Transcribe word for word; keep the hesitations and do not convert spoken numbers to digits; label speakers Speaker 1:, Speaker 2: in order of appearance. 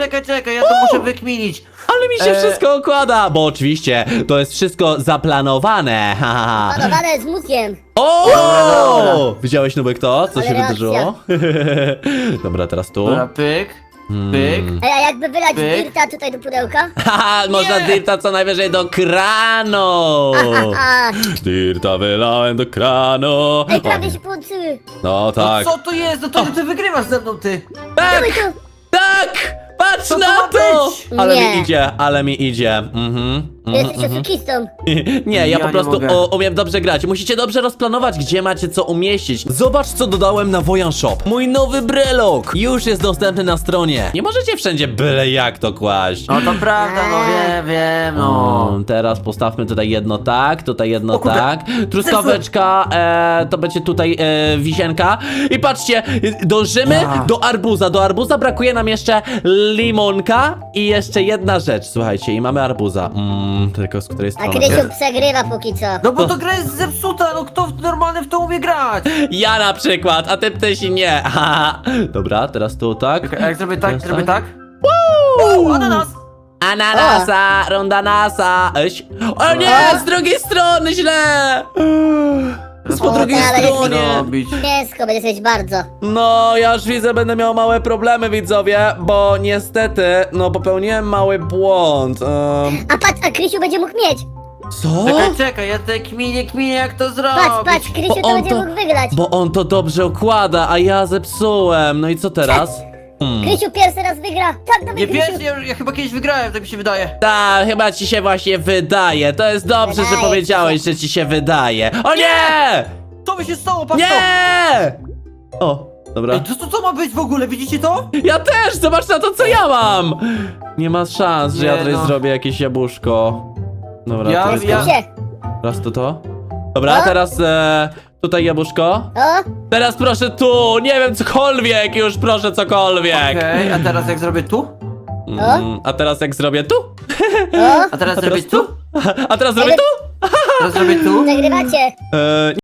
Speaker 1: Czekaj, czekaj, ja to muszę wykminić.
Speaker 2: Ale mi się
Speaker 1: E.
Speaker 2: wszystko układa, bo oczywiście to jest wszystko zaplanowane. Ha, ha, ha.
Speaker 3: Panowane z mózgiem.
Speaker 2: O!
Speaker 1: Dobra, dobra.
Speaker 2: Widziałeś, Nubek, to? Co
Speaker 3: Ale
Speaker 2: się
Speaker 3: reakcja.
Speaker 2: wydarzyło? Dobra, teraz tu.
Speaker 1: Dobra, pyk, pyk.
Speaker 3: Ej, a jakby wylać
Speaker 1: Pyk.
Speaker 3: dirta tutaj do pudełka?
Speaker 2: Haha, można
Speaker 1: Nie!
Speaker 2: dirta co najwyżej do kranu.
Speaker 3: A,
Speaker 2: Dirta wylałem do kranu.
Speaker 3: ej, prawie się połączyły.
Speaker 2: No tak.
Speaker 1: No co to jest? No to ty wygrywasz ze mną, ty.
Speaker 2: Tak!
Speaker 3: Dawaj tu.
Speaker 2: Tak! Patrz
Speaker 1: Co to
Speaker 2: na
Speaker 1: ma
Speaker 2: to!
Speaker 1: być?
Speaker 2: Ale
Speaker 3: Nie.
Speaker 2: mi idzie, ale mi idzie. Mhm. mhm,
Speaker 3: Jesteś
Speaker 2: mhm.
Speaker 3: oszukistą.
Speaker 2: Nie, ja,
Speaker 1: Ja
Speaker 2: po
Speaker 1: nie
Speaker 2: prostu
Speaker 1: mogę.
Speaker 2: o, umiem dobrze grać. Musicie dobrze rozplanować, gdzie macie co umieścić. Zobacz, co dodałem na Wojan Shop. Mój nowy brelok już jest dostępny na stronie. Nie możecie wszędzie byle jak to kłaść.
Speaker 1: No to prawda, no wiem, wiem, no.
Speaker 2: Mm, teraz postawmy tutaj jedno tak, tutaj jedno
Speaker 1: O kurde.
Speaker 2: tak. Truskaweczka, e, to będzie tutaj e, wisienka. I patrzcie, dążymy
Speaker 1: Ja.
Speaker 2: do arbuza. Do arbuza brakuje nam jeszcze limonka i jeszcze jedna rzecz. Słuchajcie, i mamy arbuza. Mm, tylko z której
Speaker 3: A
Speaker 2: strony?
Speaker 3: Krysiu przegrywa póki co.
Speaker 1: No bo to gra jest zepsuta, no kto w- normalny w to umie grać?
Speaker 2: Ja na przykład, a ty ptysi nie. Haha. Dobra, teraz tu tak.
Speaker 1: Czekaj, a jak zrobię tak,
Speaker 2: Teraz
Speaker 1: zrobię
Speaker 2: tak?
Speaker 1: tak? Wow, ananas!
Speaker 2: Ananasa, rondanasa. Eś. O nie, z drugiej strony źle. Z po
Speaker 3: O,
Speaker 2: drugiej
Speaker 3: ale jest
Speaker 2: stronie.
Speaker 1: Robić.
Speaker 3: Ciężko będzie siedzieć bardzo.
Speaker 2: No, ja już widzę, będę miał małe problemy, widzowie, bo niestety, no, popełniłem mały błąd. Um,
Speaker 3: A patrz, a Krysiu będzie mógł mieć.
Speaker 2: co?
Speaker 1: Czekaj, czekaj, ja te kminie, kminie jak to zrobić.
Speaker 3: Patrz, patrz, Krysiu
Speaker 2: Bo
Speaker 3: to
Speaker 2: on
Speaker 3: będzie
Speaker 2: to-
Speaker 3: mógł wygrać.
Speaker 2: Bo on to dobrze układa, a ja zepsułem. No i co teraz? Hmm.
Speaker 3: Krysiu pierwszy raz wygra. Tak, dawaj
Speaker 1: Nie
Speaker 3: Krysiu.
Speaker 1: pierwszy, ja, ja chyba kiedyś wygrałem, tak mi się wydaje.
Speaker 2: Tak, chyba ci się właśnie wydaje. To jest dobrze, że
Speaker 3: Wydaje
Speaker 2: powiedziałeś, że ci się wydaje. O nie!
Speaker 1: Co by się stało, patrz to!
Speaker 2: Nie! O, dobra.
Speaker 1: Ej, to, to co ma być w ogóle, widzicie to?
Speaker 2: Ja też! Zobacz na to, co ja mam! Nie ma szans, że ja
Speaker 1: Nie
Speaker 2: tutaj
Speaker 1: no.
Speaker 2: zrobię jakieś jabłuszko. Dobra,
Speaker 1: Ja-
Speaker 2: to jest
Speaker 1: ja-
Speaker 2: to.
Speaker 3: Krysie.
Speaker 2: Raz to to. Dobra,
Speaker 3: No.
Speaker 2: teraz e, tutaj jabłuszko.
Speaker 3: O,
Speaker 2: Teraz proszę tu, nie wiem, cokolwiek, już proszę cokolwiek.
Speaker 1: Okej, a teraz jak zrobię tu?
Speaker 2: Mm, a teraz jak zrobię tu?
Speaker 3: o,
Speaker 1: A teraz
Speaker 2: A
Speaker 1: zrobię
Speaker 2: teraz tu?
Speaker 1: tu?
Speaker 2: A teraz zrobię tu?
Speaker 1: Teraz zrobię tu?
Speaker 3: przegrywacie.
Speaker 2: E,